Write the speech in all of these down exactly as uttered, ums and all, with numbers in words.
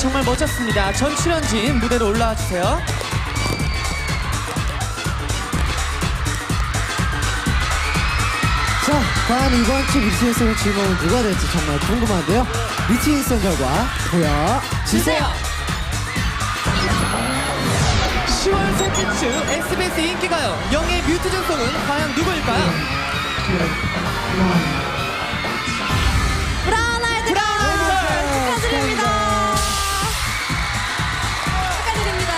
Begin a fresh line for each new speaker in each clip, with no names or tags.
정말 멋졌습니다. 전 출연진 무대로 올라와 주세요.
자, 과연 이번 주 미치인성 질문은 누가 될지 정말 궁금한데요. 미치인성 결과 보여주세요.
시월 셋째 주 에스비에스 인기가요 영예 뮤트 전송은 과연 누구일까요?
브라운 아이드
브라운 아이드
축하드립니다. 축하드립니다.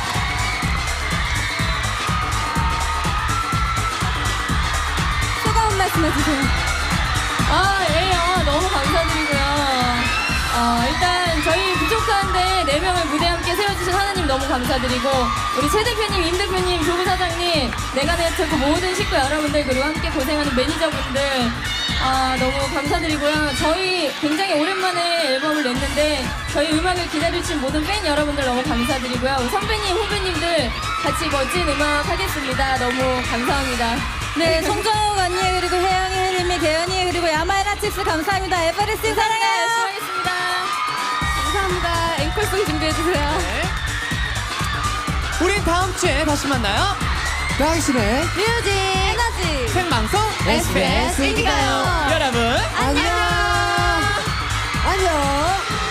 소감 한 말씀 해주세요.
아, 예, 아, 너무 감사드리고요. 어, 일단 저희 부족한데 네 명을 무대 함께 세워주신 하나님 너무 감사드리고 우리 최 대표님, 임 대표님, 조부 사장님, 내가네트워크 모든 식구 여러분들 그리고 함께 고생하는 매니저분들 아, 너무 감사드리고요. 저희 굉장히 오랜만에 앨범을 냈는데 저희 음악을 기다려주신 모든 팬 여러분들 너무 감사드리고요. 우리 선배님, 후배님들 같이 멋진 음악 하겠습니다. 너무 감사합니다.
네, 송정욱 언니 그리고 혜영이, 혜림이, 개연이 그리고 야마이라치스 감사합니다. 에버레스트 사랑해요.
열심히 하겠습니다.
감사합니다. 앵콜송 준비해주세요.
네. 우린 다음 주에 다시 만나요.
당신의
뮤직 에너지
생방송
에스비에스 인기가요.
여러분
안녕. 안녕.